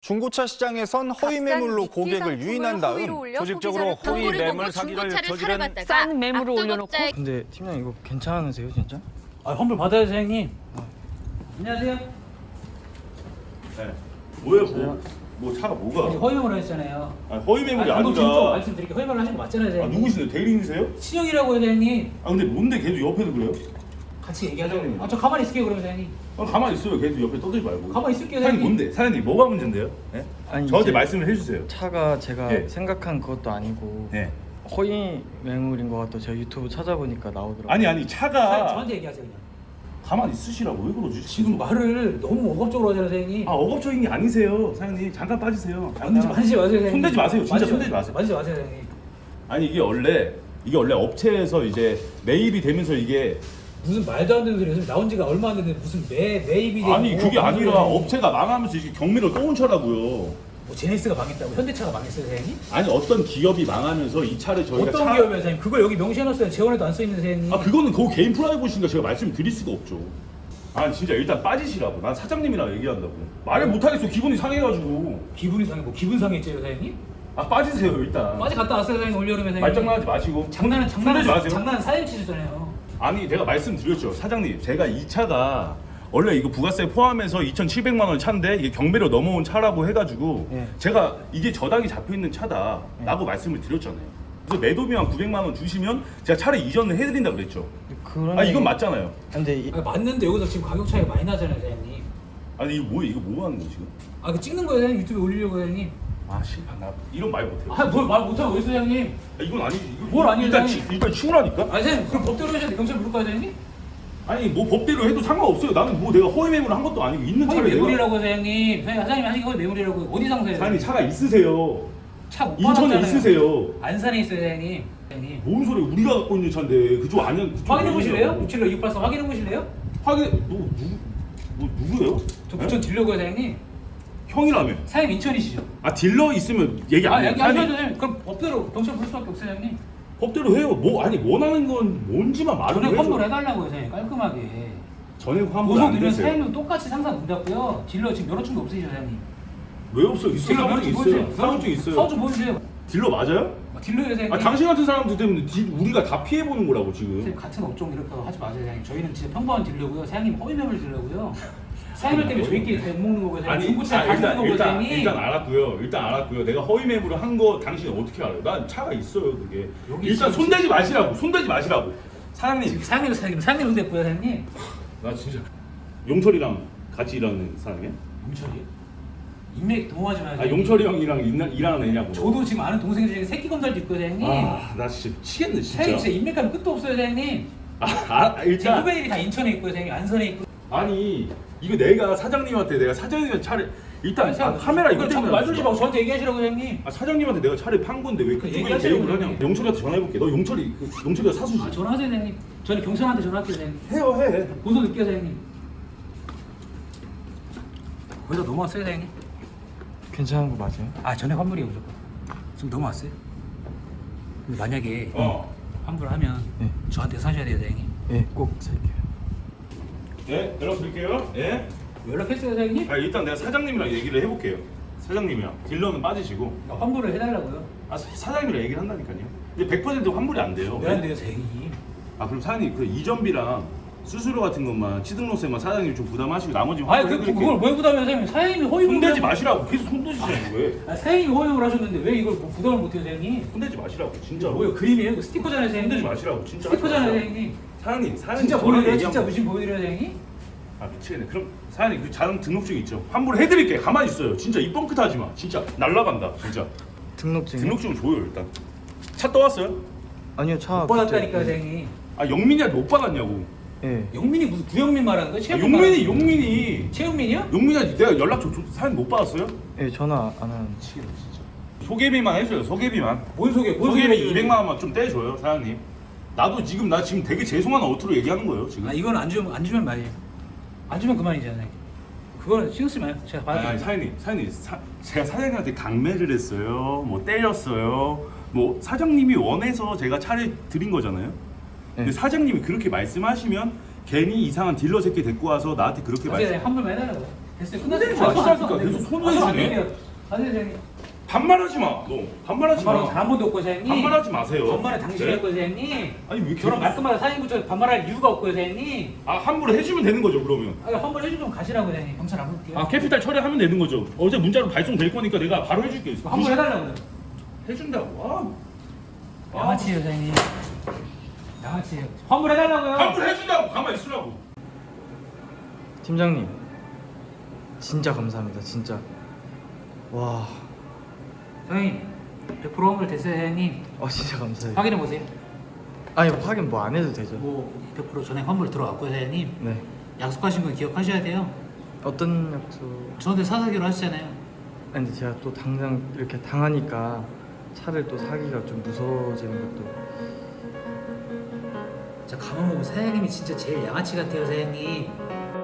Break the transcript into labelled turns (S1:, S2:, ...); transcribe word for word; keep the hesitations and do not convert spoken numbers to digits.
S1: 중고차 시장에선 허위 매물로 고객을 유인한 다음
S2: 조직적으로 허위 매물 사기를 저지른
S3: 싼 매물을 올려놓고.
S4: 근데 팀장 이거 괜찮으세요 진짜?
S5: 아, 환불 받아야죠, 사장님.
S4: 아.
S5: 안녕하세요.
S2: 네. 뭐예요? 뭐, 뭐 차가 뭐가?
S5: 허위 매물 하셨잖아요.
S2: 아, 허위 매물이
S5: 아, 방금
S2: 아니라.
S5: 말씀드릴게요. 허위 매물 하신 거 맞잖아요,
S2: 아,
S5: 사장님.
S2: 누구신데? 대리인이세요?
S5: 신영이라고요, 사장님.
S2: 아 근데 뭔데 계속 옆에도 그래요?
S5: 같이 얘기하자고.
S2: 사장님.
S5: 아, 저 가만히 있을게요, 그러면 사장님.
S2: 아, 가만히 있어요. 계속 옆에 떠들지 말고.
S5: 가만히 있을게요,
S2: 사장님
S5: 사장님.
S2: 뭔데? 사장님 뭐가 문제인데요? 네?
S4: 아니,
S2: 저한테
S4: 이제
S2: 말씀을 해주세요.
S4: 차가 제가
S2: 예.
S4: 생각한 그것도 아니고
S2: 네.
S4: 허위 매물인 것 같아. 제가 유튜브 찾아보니까 나오더라고요.
S2: 아니 아니
S5: 사장님,
S2: 차가
S5: 저한테 얘기하세요, 그냥.
S2: 가만히 있으시라고 왜 그러지?
S5: 지금 말을 너무 억압적으로 하잖아요, 사장님.
S2: 아 억압적인 게 아니세요, 사장님. 잠깐 빠지세요. 잠깐.
S5: 만지지, 만지지 마세요, 사장님.
S2: 손대지 마세요. 진짜
S5: 만지지
S2: 손대지 마세요.
S5: 만지지 마세요, 사장님.
S2: 아니 이게 원래 이게 원래 업체에서 이제 매입이 되면서 이게
S5: 무슨 말도 안 되는 소리 요즘 나온 지가 얼마 안 됐는데 무슨 매, 매입이 되고
S2: 아니 그게
S5: 뭐
S2: 아니라
S5: 무슨
S2: 업체가 망하면서 이게 경매를 떠온 차라고요.
S5: 뭐 제네시스가 망했다고? 현대차가 망했어요, 사장님?
S2: 아니 어떤 기업이 망하면서 이 차를 저희가
S5: 어떤
S2: 차...
S5: 기업이에요, 사장님? 그걸 여기 명시해놨어요. 재원에도 안 써있는 사장님.
S2: 아 그거는 그 개인 프라이버시니까 제가 말씀을 드릴 수가 없죠. 아니 진짜 일단 빠지시라고. 난 사장님이랑 얘기한다고. 말을 못하겠어. 기분이 상해가지고.
S5: 기분이 상해, 뭐 기분 상했죠, 사장님?
S2: 아 빠지세요 일단.
S5: 빠지 갔다 왔어요, 사장님. 올여름에 사장님.
S2: 말장난하지 마시고.
S5: 장난은
S2: 손대지
S5: 장난은
S2: 마세요.
S5: 장난은 사장님 치셨잖아요.
S2: 아니 내가 말씀드렸죠. 사장님 제가 이 차가 원래 이거 부가세 포함해서 이천칠백만 원 차인데 이게 경매로 넘어온 차라고 해가지고
S4: 예.
S2: 제가 이게 저당이 잡혀있는 차다라고 말씀을 드렸잖아요. 그래서 매도비만 구백만 원 주시면 제가 차를 이전을 해드린다 그랬죠.
S4: 그런
S2: 아 이건 맞잖아요.
S4: 근데 이,
S5: 아, 맞는데 여기서 지금 가격 차이가 많이 나잖아요, 사장님.
S2: 아니 이거 뭐예요? 이거 뭐 하는 거 지금?
S5: 아, 그 찍는 거예요, 사장님. 유튜브에 올리려고, 사장님.
S2: 아 실패. 나 이런 말 못해요.
S5: 아, 뭘 말 못하고 있어요, 사장님.
S2: 아, 이건 아니지. 이거
S5: 뭘 아니에요,
S2: 일단
S5: 사장님?
S2: 치, 일단 치우라니까.
S5: 아니, 사장님, 그럼 법대로 하셔야 돼. 경찰 부를까요, 사장님?
S2: 아니 뭐 법대로 해도 상관없어요. 나는 뭐 내가 허위 매물을 한 것도 아니고 있는
S5: 허위
S2: 차를 내가.
S5: 매물이라고, 사장님. 사장님, 사장님 하신 게 허위 매물이라고. 어디 상세요?
S2: 사장님 차가 있으세요.
S5: 차못
S2: 인천에
S5: 받았잖아요.
S2: 있으세요.
S5: 안산에 있어요, 사장님. 사장님.
S2: 뭔 소리? 우리가 갖고 있는 차인데 그쪽 아니야? 그쪽
S5: 확인해 보실래요?
S2: 아니냐고.
S5: 육칠로 육팔사 확인해 보실래요?
S2: 확인. 너 누구? 뭐 누구예요?
S5: 저
S2: 네?
S5: 부천 딜러고요, 사장님.
S2: 형이라며.
S5: 사장님 인천이시죠?
S2: 아 딜러 있으면 얘기 안
S5: 아,
S2: 해요.
S5: 여기 안
S2: 아니,
S5: 해도 사장님. 그럼 법대로 경찰 부를 수밖에 없어요, 사장님.
S2: 법대로 해요. 뭐 아니 원하는 건 뭔지만 말을
S5: 전액
S2: 해줘.
S5: 환불 해달라고요, 사장님. 깔끔하게.
S2: 전액 환불
S5: 보석
S2: 안
S5: 드리면
S2: 되세요.
S5: 사장님 똑같이 상상 못 잡고요. 딜러 지금 여러 층도 없으시죠, 사장님.
S2: 왜 없어? 있어.
S5: 딜러
S2: 사무증 있어요. 사무증 있어요.
S5: 사무증 보여주세요.
S2: 딜러 맞아요?
S5: 아, 딜러예요, 사장님.
S2: 아 당신 같은 사람들 때문에 디, 우리가 다 피해 보는 거라고 지금.
S5: 선생님, 같은 업종 이렇게 하지 마세요, 사장님. 저희는 진짜 평범한 딜러고요. 사장님 허위 매물 딜러고요. 사장님 때문에 저희끼리 못 먹는 거고요. 사장님. 중고차
S2: 아,
S5: 다
S2: 일단
S5: 먹는 거고요,
S2: 일단
S5: 사장님.
S2: 일단 알았고요. 일단 알았고요. 내가 허위 매물을 한 거 당신이 어떻게 알아요? 난 차가 있어요, 그게.
S5: 여기
S2: 일단
S5: 지금
S2: 손대지 마시라고. 손대지 마시라고. 사장님,
S5: 지금 사장님, 사장님, 사장님 손 댔고요, 사장님.
S2: 나 진짜 용철이랑 같이 일하는 사람이야?
S5: 용철이? 인맥 동호하지 마세요.
S2: 아 용철이 형이랑 일나, 일하는 애냐고.
S5: 저도 지금 아는 동생 중에 새끼 검달도 있고요, 사장님.
S2: 아, 나 진짜 미치겠네 진짜.
S5: 사장님 진짜 인맥하면 끝도 없어요, 사장님.
S2: 아, 아
S5: 지금
S2: 일단
S5: 후배들이 다 인천에 있고요, 사장님. 안산에 있고.
S2: 아니 이거 내가 사장님한테 내가 사장님한테 차를 일단
S5: 아니,
S2: 아, 카메라 이거
S5: 자꾸
S2: 때문에
S5: 말 들지 말고 저한테 얘기하시라고, 사장님.
S2: 아 사장님한테 내가 차를 판 건데 왜 그쪽에
S5: 얘기하세요,
S2: 대응을 하냐?
S5: 그냥.
S2: 용철이한테 전화해볼게. 너 용철이 그, 용철이가 사수지?
S5: 아, 전화하세요, 사장님. 저는 경찰한테 전화할게요, 사장님.
S2: 해요 해.
S5: 고소 넣을게요, 사장님. 거기서 넘어왔어요, 사장님?
S4: 괜찮은 거 맞아요?
S5: 아, 전액 환불이에요, 무조건. 지금 넘어왔어요. 근데 만약에
S2: 어.
S5: 환불하면
S4: 네.
S5: 저한테 사셔야 돼요, 사장님.
S4: 예, 꼭 살게요.
S2: 네 연락 드릴게요. 예.
S5: 연락했어요, 사장님?
S2: 아 일단 내가 사장님이랑 얘기를 해볼게요. 사장님이랑 딜러는 빠지시고
S5: 환불을 해달라고요.
S2: 아 사- 사장님이랑 얘기를 한다니까요. 이제 백 퍼센트 환불이 안 돼요.
S5: 왜 안 돼요, 사장님?
S2: 아 그럼 사장님 그 이전비랑 수수료 같은 것만 취등록세만 사장님 좀 부담하시고 나머지
S5: 아니, 그,
S2: 환불해드릴게요.
S5: 그걸 왜 부담해요, 사장님? 사장님이 허위물.
S2: 손대지 마시라고 계속 손대시잖아요 왜?
S5: 아, 사장님이 허위물 하셨는데 왜 이걸 뭐 부담을 못해요, 사장님?
S2: 손대지 마시라고 진짜로.
S5: 뭐예요, 그림이에요? 이거 스티커잖아요, 사장님.
S2: 손대지 마시라고 진짜. 하지
S5: 스티커잖아요,
S2: 마세요.
S5: 사장님.
S2: 사장님 사장님
S5: 진짜
S2: 저랑
S5: 보여드려요?
S2: 얘기한
S5: 진짜
S2: 거-
S5: 무심 보여드려요, 사장님?
S2: 아 미치겠네. 그럼 사장님 그 자동 등록증 있죠? 환불해드릴게. 가만히 있어요. 진짜 이 뻥끗 하지 마. 진짜 날라간다. 진짜.
S4: 등록증.
S2: 등록증 줘요 일단. 차 떠왔어요?
S4: 아니요, 차.
S5: 못 받았다니까요,
S4: 그때-
S5: 사장님.
S2: 아 영민이한테 못 받았냐고.
S4: 예.
S5: 영민이 무슨 구영민 말하는 거예요?
S2: 아,
S5: 최영민
S2: 용민이
S5: 말하는
S2: 용민이
S5: 최영민이요?
S2: 용민이한테 내가 연락 줘. 줘- 사장님 못 받았어요?
S4: 예, 전화 안 하는.
S2: 미치겠네 진짜. 소개비만 해줘요. 소개비만.
S5: 뭔 소개? 뭔
S2: 소개비
S5: 소개?
S2: 이백만 원만 좀 떼줘요 사장님. 나도 지금 나 지금 되게 죄송한 어투로 얘기하는 거예요 지금.
S5: 아, 이건 안 주면 안 주면 말이에요. 안 주면 그만이잖아요. 그거는 신경 쓰지 마요. 제가
S2: 아니, 아니
S5: 받을게요.
S2: 사장님, 사장님, 사, 제가 사장님한테 강매를 했어요. 뭐 때렸어요. 뭐 사장님이 원해서 제가 차를 드린 거잖아요. 근데
S4: 네.
S2: 사장님이 그렇게 말씀하시면 괜히 이상한 딜러 새끼 데리고 와서 나한테 그렇게
S5: 어제
S2: 말씀.
S5: 환불만 해달라고요. 됐어요.
S2: 손대지
S5: 끝났어요.
S2: 마시라니까. 계속 손을 해주네.
S5: 아세요 사장님?
S2: 반말하지 마. 너 반말하지
S5: 반말은
S2: 마.
S5: 잘한 번도 없고 사장님.
S2: 반말하지 마세요.
S5: 반말은 당신이
S2: 네?
S5: 할 거예요 사장님.
S2: 아니 왜
S5: 저런
S2: 계속
S5: 말끝마다 사장님부터 반말할 이유가 없고요 사장님.
S2: 아 함부로 해주면 되는 거죠 그러면.
S5: 아 환불 해주면 가시라고 사장님. 경찰 안 볼게요.
S2: 아 캐피탈 처리하면 되는 거죠. 어제 문자로 발송될 거니까 내가 바로 해줄게.
S5: 환불 해달라고요.
S2: 해준다고. 아.
S5: 양아치예요 사장님. 양아치예요. 환불 해달라고요.
S2: 환불 해준다고. 가만 있으라고.
S4: 팀장님 진짜 감사합니다 진짜. 와,
S5: 사장님 백 퍼센트 환불 됐어요 사장님.
S4: 아 진짜 감사해요.
S5: 확인해 보세요.
S4: 아니 확인 뭐 안 해도 되죠.
S5: 뭐 백 퍼센트 전에 환불 들어갔고요 사장님.
S4: 네.
S5: 약속하신 거 기억하셔야 돼요.
S4: 어떤 약속?
S5: 저한테 사사기로 하시잖아요.
S4: 아니 근데 제가 또 당장 이렇게 당하니까 차를 또 사기가 좀 무서워지는 것도.
S5: 자 가만 보면 사장님이 진짜 제일 양아치 같아요 사장님.